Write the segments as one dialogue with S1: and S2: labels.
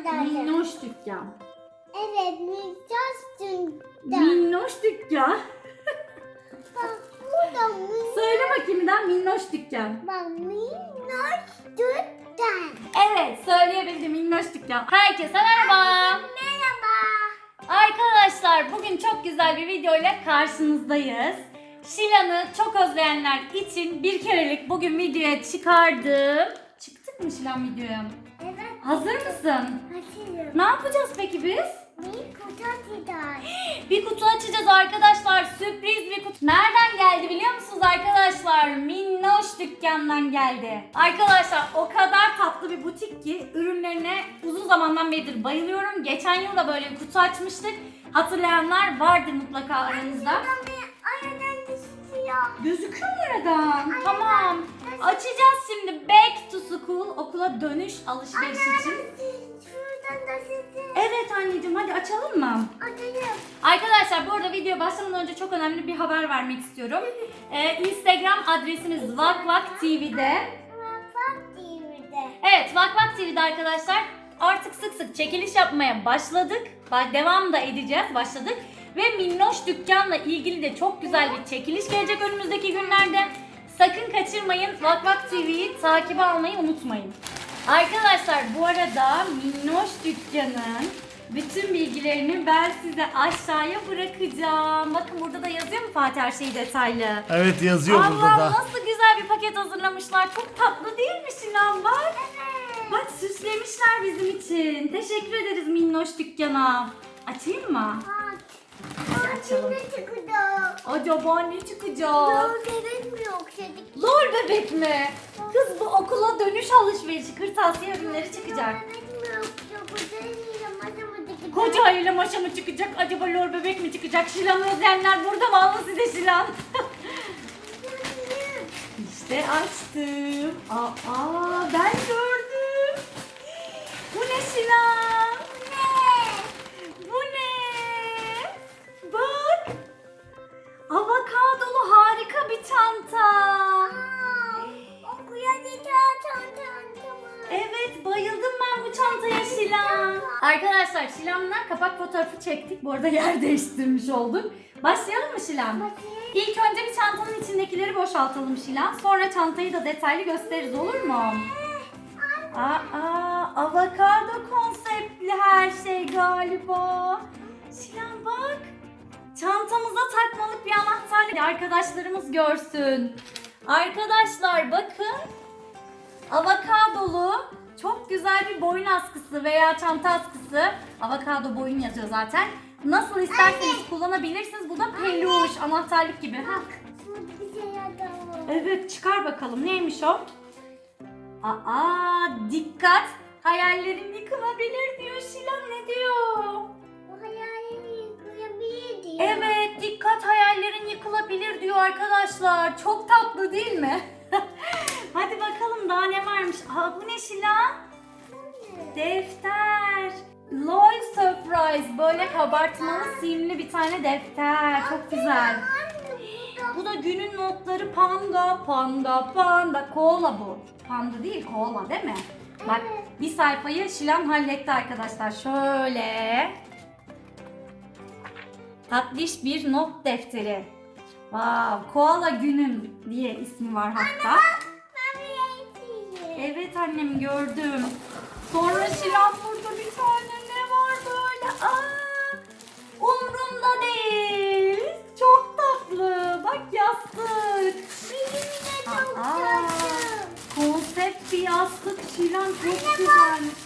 S1: Minnoş dükkan.
S2: Evet, minnoş dükkan.
S1: Minnoş dükkan.
S2: Bak burada minnoş.
S1: Söyle bakayım bir daha, minnoş dükkan.
S2: Bak minnoş dükkan.
S1: Evet, söyleyebildim, minnoş dükkan. Herkese merhaba.
S2: Merhaba.
S1: Arkadaşlar, bugün çok güzel bir video ile karşınızdayız. Şilan'ı çok özleyenler için bir kerelik bugün videoya çıkardım. Çıktık mı Şilan videoya?
S2: Evet.
S1: Hazır mısın?
S2: Açıyorum.
S1: Ne yapacağız peki biz?
S2: Bir kutu açacağız.
S1: Bir kutu açacağız arkadaşlar. Sürpriz bir kutu. Nereden geldi biliyor musunuz arkadaşlar? Minnoş dükkandan geldi. Arkadaşlar o kadar tatlı bir butik ki ürünlerine uzun zamandan beridir bayılıyorum. Geçen yıl da böyle bir kutu açmıştık. Hatırlayanlar vardır mutlaka aranızda.
S2: Aradan düşüyor.
S1: Gözüküyor mu oradan? Tamam. Açacağız şimdi. Back to school, okula dönüş alışveriş için.
S2: Şuradan da sizi
S1: Evet anneciğim, hadi açalım mı?
S2: açayım.
S1: Arkadaşlar bu arada video başlamadan önce çok önemli bir haber vermek istiyorum. Instagram adresimiz vakvak.tv'de.
S2: Bak TV'de.
S1: Evet, Vakvak TV'de arkadaşlar artık sık sık çekiliş yapmaya başladık. Devam da edeceğiz, başladık. Ve Minnoş Dükkan'la ilgili de çok güzel bir çekiliş gelecek önümüzdeki günlerde. Sakın kaçırmayın. Vakvak TV'yi takip almayı unutmayın. Arkadaşlar bu arada Minnoş Dükkan'ın bütün bilgilerini ben size aşağıya bırakacağım. Bakın burada da yazıyor mu Fatih her şeyi detaylı?
S3: Evet, yazıyor burada
S1: Allah,
S3: da.
S1: nasıl güzel bir paket hazırlamışlar. Çok tatlı değil mi Şilan, bak.
S2: Evet.
S1: Bak süslemişler bizim için. Teşekkür ederiz Minnoş Dükkan'a. Açayım mı?
S2: Bak.
S1: Hadi açalım.
S2: Ne çıkacak?
S1: Acaba ne çıkacak?
S2: Doğru bebek mi yoksa?
S1: Lor bebek mi? Kız bu okula dönüş alışverişi, kırtasiye ürünleri çıkacak.
S2: Bebek mi yoksa? Bu
S1: Koca ile maşa mı çıkacak? Acaba lor bebek mi çıkacak? Şilan'ı özleyenler burada mı? Alın size Şilan. İşte açtım. Aa, ben gördüm. Bu ne Şilan? Bu ne? Bak. Avokadolu harika bir çanta. Evet, bayıldım ben bu çantaya Şilan. Arkadaşlar Şilan'la kapak fotoğrafı çektik. Bu arada yer değiştirmiş olduk. Başlayalım mı Şilan? İlk önce bir çantanın içindekileri boşaltalım Şilan. Sonra çantayı da detaylı gösteririz, olur mu? Avokado konseptli her şey galiba. Şilan bak. Çantamıza takmalık bir anahtarlık, arkadaşlarımız görsün. Arkadaşlar bakın. Avokadolu çok güzel bir boyun askısı veya çanta askısı. Avokado boyun yazıyor zaten. Nasıl isterseniz kullanabilirsiniz. Bu da peluş, anahtarlık gibi. Ha. Evet, çıkar bakalım. Neymiş o? Dikkat. Hayallerin yıkılabilir diyor Şilan. Ne diyor? Evet, dikkat, hayallerin yıkılabilir diyor arkadaşlar. Çok tatlı değil mi? Hadi bakalım daha ne varmış. Bu ne Şilan? Defter. LOL Surprise. Böyle kabartmalı simli bir tane defter. Çok güzel. Bu da günün notları panda, panda, panda. Koala bu. Panda değil, koala değil mi? Bak bir sayfayı Şilan halletti arkadaşlar. Şöyle. Tatlış bir not defteri. Wow, koala günüm diye ismi var hatta. Evet annem, gördüm. Sonra Şilan burada bir tane ne var böyle? Umrumda değil. Çok tatlı. Bak yastık. Konsept bir yastık Şilan, çok güzelmiş.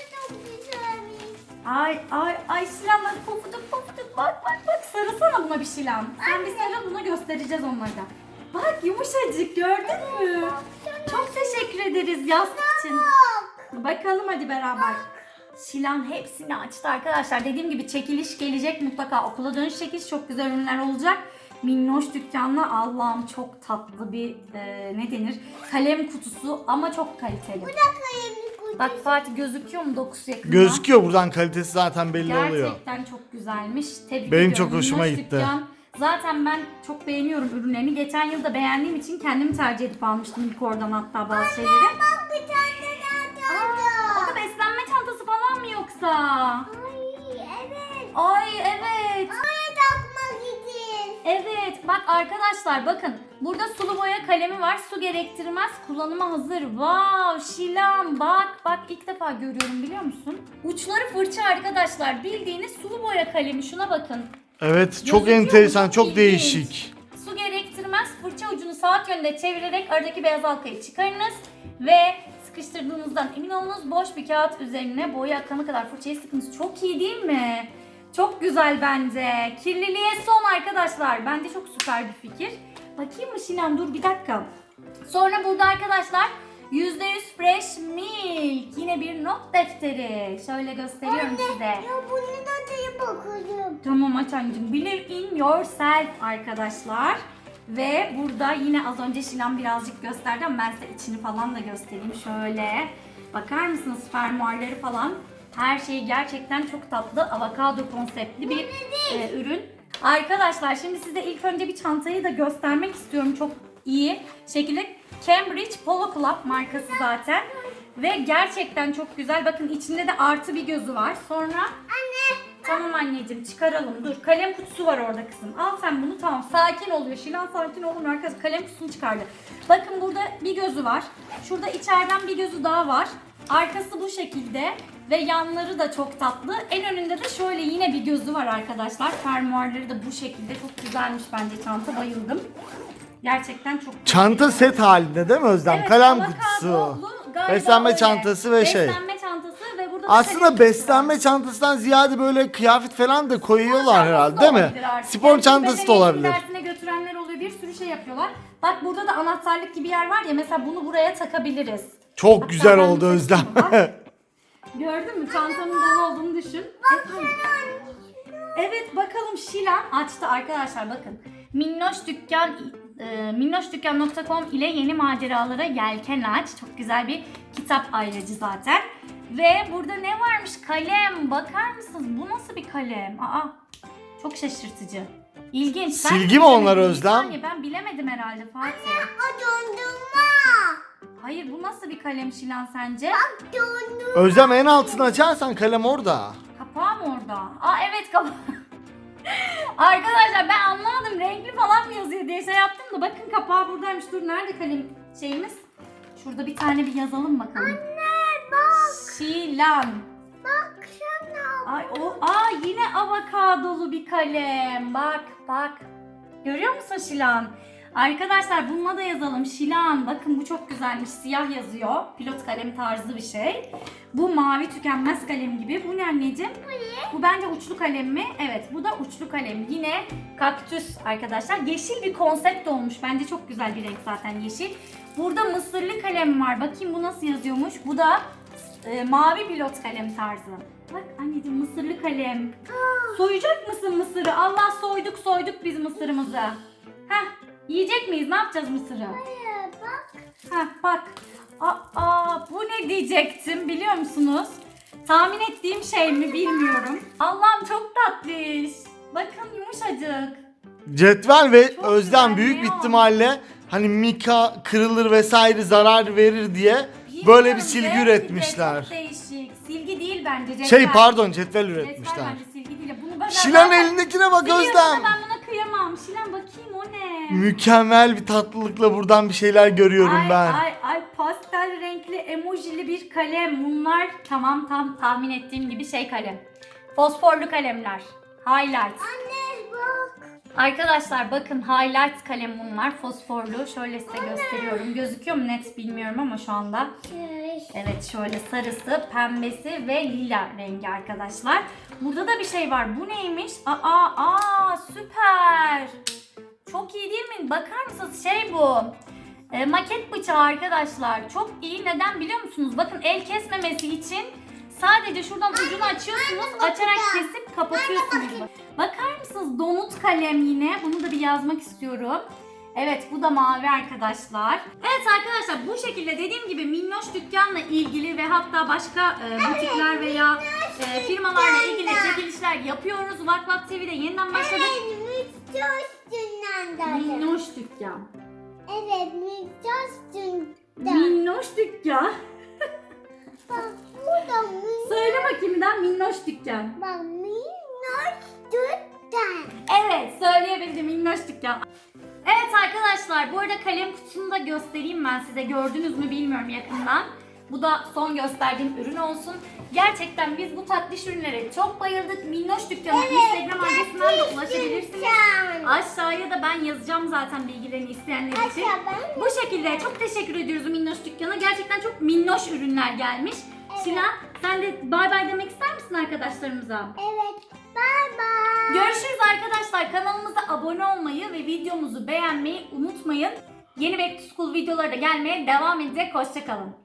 S1: Ay Şilan bak, pofuduk pofuduk, bak sarılsana buna bir Şilan. Sen bir sarıl, buna göstereceğiz onları da. Bak yumuşacık, gördün mü? Çok teşekkür ederiz yastık için. Bakalım hadi beraber. Şilan hepsini açtı arkadaşlar. Dediğim gibi çekiliş gelecek mutlaka. Okula dönüş çekiliş, çok güzel ürünler olacak. Minnoş Dükkan'la Allah'ım çok tatlı bir ne denir? Kalem kutusu ama çok kaliteli. Bak Fatih, gözüküyor mu dokusu yakından?
S3: Gözüküyor, buradan kalitesi zaten belli oluyor.
S1: Gerçekten çok güzelmiş. Tebrik
S3: Benim
S1: ediyorum.
S3: çok hoşuma
S1: Minnoş
S3: gitti.
S1: Dükkan. Zaten ben çok beğeniyorum ürünlerini. Geçen yıl da beğendiğim için kendimi tercih edip almıştım ilk oradan hatta bazı şeyleri. O da beslenme çantası falan mı yoksa? burada.
S2: Ay evet.
S1: Ay evet.
S2: Oraya takmak için.
S1: Evet bak arkadaşlar bakın. Burada sulu boya kalemi var. Su gerektirmez. Kullanıma hazır. Wow Şilan bak ilk defa görüyorum biliyor musun? Uçları fırça arkadaşlar. Bildiğiniz sulu boya kalemi. Şuna bakın.
S3: Evet çok
S1: Gözüküyor mu?
S3: enteresan,
S1: Çok
S3: çok
S1: ilginç.
S3: değişik.
S1: Su gerektirmez. Fırça ucunu saat yönünde çevirerek aradaki beyaz halkayı çıkarınız ve sıkıştırdığınızdan emin olunuz. Boş bir kağıt üzerine boya akana kadar fırçayı sıkınız. Çok iyi değil mi? Çok güzel bence. Kirliliğe son arkadaşlar. Bence çok süper bir fikir. Bakayım mı Şilan? Dur bir dakika. Sonra burada arkadaşlar %100 fresh milk. Yine bir not defteri. Şöyle gösteriyorum size.
S2: Ya bunu da diye bakalım.
S1: Tamam aç anneciğim. Believe in yourself arkadaşlar. Ve burada yine az önce Şilan birazcık gösterdi ama ben size içini falan da göstereyim. Şöyle. Bakar mısınız fermuarları falan. Her şeyi gerçekten çok tatlı. Avokado konseptli bir ürün. Arkadaşlar şimdi size ilk önce bir çantayı da göstermek istiyorum. Çok iyi şekilde. Cambridge Polo Club markası zaten. Ve gerçekten çok güzel. Bakın içinde de artı bir gözü var. Sonra... Tamam anneciğim çıkaralım. Dur kalem kutusu var orada kızım. Al sen bunu tamam. Sakin oluyor. Şilan sakin olun arkadaşlar. Kalem kutusunu çıkardı. Bakın burada bir gözü var. Şurada içeriden bir gözü daha var. Arkası bu şekilde. Ve yanları da çok tatlı. En önünde de şöyle yine bir gözü var arkadaşlar. Fermuarları da bu şekilde. Çok güzelmiş bence çanta. Bayıldım. Gerçekten çok güzel.
S3: Çanta set halinde değil mi Özlem?
S1: Evet,
S3: Kalem
S1: avokadolu,
S3: kutusu.
S1: galiba
S3: Beslenme
S1: öyle.
S3: çantası ve şey.
S1: Beslenme çantası ve burada da
S3: Aslında
S1: kalem kutusu var.
S3: beslenme çantasından ziyade böyle kıyafet falan da koyuyorlar
S1: Çantası
S3: herhalde
S1: da
S3: değil mi?
S1: olabilir artık.
S3: Spor
S1: Yani
S3: çantası da
S1: beden eğitimi
S3: olabilir.
S1: dersine götürenler oluyor. Bir sürü şey yapıyorlar. Bak burada da anahtarlık gibi yer var ya. Mesela bunu buraya takabiliriz.
S3: Çok
S1: Hatta
S3: güzel
S1: ben
S3: oldu
S1: bir
S3: Özlem.
S1: bak. Gördün mü? Çantanın dolu olduğunu düşün. Evet bakalım Şilan açtı arkadaşlar bakın. Minnoşdükkan.com ile yeni maceralara yelken aç. Çok güzel bir kitap ayracı zaten. Ve burada ne varmış? Kalem. Bakar mısınız? Bu nasıl bir kalem? Çok şaşırtıcı. İlginç. Ben
S3: Silgi
S1: de
S3: mi onlar
S1: bilemedim. Bir
S3: Özlem?
S1: saniye, ben bilemedim herhalde Fatih.
S2: O dondurma.
S1: Hayır bu nasıl bir kalem Şilan sence?
S2: Dondurma.
S3: Özlem en altını açarsan kalem orada.
S1: Kapağı mı orada? Evet kapağı. Arkadaşlar ben anlamadım renkli falan mı yazıyor diye şey yaptım da bakın kapağı buradaymış. Dur nerede kalem şeyimiz? Şurada bir tane bir yazalım bakalım.
S2: Anne bak.
S1: Şilan.
S2: Baksana.
S1: Yine avokadolu bir kalem. Bak. Görüyor musun Şilan? Arkadaşlar bununla da yazalım. Şilan. Bakın bu çok güzelmiş. Siyah yazıyor. Pilot kalem tarzı bir şey. Bu mavi tükenmez kalem gibi. Bu ne anneciğim? Bu bence uçlu kalem mi? Evet bu da uçlu kalem. Yine kaktüs arkadaşlar. Yeşil bir konsept olmuş. Bence çok güzel bir renk zaten yeşil. Burada mısırlı kalem var. Bakayım bu nasıl yazıyormuş. Bu da mavi pilot kalem tarzı. Bak anneciğim mısırlı kalem. Soyacak mısın mısırı? Allah soyduk biz mısırımızı. Yiyecek miyiz? Ne yapacağız mısırı?
S2: Hayır bak.
S1: Bak. Bu ne diyecektim biliyor musunuz? Tahmin ettiğim şey mi bilmiyorum. Allah'ım çok tatlış. Bakın yumuşacık.
S3: Cetvel ve
S1: Çok
S3: Özlem
S1: güzel,
S3: büyük bir
S1: neon.
S3: ihtimalle hani mika kırılır vesaire zarar verir diye
S1: Bilmiyorum,
S3: böyle bir silgi
S1: belki de
S3: üretmişler.
S1: Çok değişik. Silgi değil bence. Cetvel.
S3: Pardon cetvel
S1: Cetvel
S3: üretmişler.
S1: bence silgi değil. Bunu ben
S3: Şilan
S1: zaten
S3: elindekine bak
S1: biliyorum
S3: Özlem.
S1: da ben buna kıyamam. Şilan bakayım o ne?
S3: Mükemmel bir tatlılıkla buradan bir şeyler görüyorum ben.
S1: Ay pastel renkli emojili bir kalem. Bunlar tam tahmin ettiğim gibi şey kalem. Fosforlu kalemler. Highlight.
S2: Anne bak.
S1: Arkadaşlar bakın highlight kalem bunlar. Fosforlu. Şöyle size gösteriyorum. Gözüküyor mu net bilmiyorum ama şu anda. Evet şöyle sarısı, pembesi ve lila rengi arkadaşlar. Burada da bir şey var. Bu neymiş? Süper. Çok iyi değil mi? Bakar mısınız? Bu. Maket bıçağı arkadaşlar. Çok iyi. Neden biliyor musunuz? Bakın el kesmemesi için sadece şuradan ucunu açıyorsunuz. Açarak kesip kapatıyorsunuz. Bakar mısınız? Donut kalem yine. Bunu da bir yazmak istiyorum. Evet bu da mavi arkadaşlar. Evet arkadaşlar bu şekilde dediğim gibi Minnoş dükkanla ilgili ve hatta başka butikler veya firmalarla ilgili çekilişler yapıyoruz. Vak Vak TV'de yeniden başladık. Minnoş dükkan.
S2: Evet, Minnoş
S1: Minnoş dükkan.
S2: Bak burada
S1: Söyle bakayım bir daha, minnoş dükkan.
S2: Bak minnoş dükkan.
S1: Evet, söyleyebildim, minnoş dükkan. Evet arkadaşlar, bu arada kalem kutusunu da göstereyim ben size. Gördünüz mü bilmiyorum yakından. Bu da son gösterdiğim ürün olsun. Gerçekten biz bu tatlış ürünlere çok bayıldık. Minnoş Dükkanı Instagram adresinden de ulaşabilirsiniz. Aşağıya da ben yazacağım zaten bilgilerini isteyenler için.
S2: Aşağı
S1: Bu şekilde çok teşekkür ediyoruz Minnoş Dükkan'a. Gerçekten çok minnoş ürünler gelmiş. Şila, sen de bay bay demek ister misin arkadaşlarımıza?
S2: Evet. Bye bye.
S1: Görüşürüz arkadaşlar. Kanalımıza abone olmayı ve videomuzu beğenmeyi unutmayın. Yeni Back to School videoları da gelmeye devam edecek. Hoşça kalın.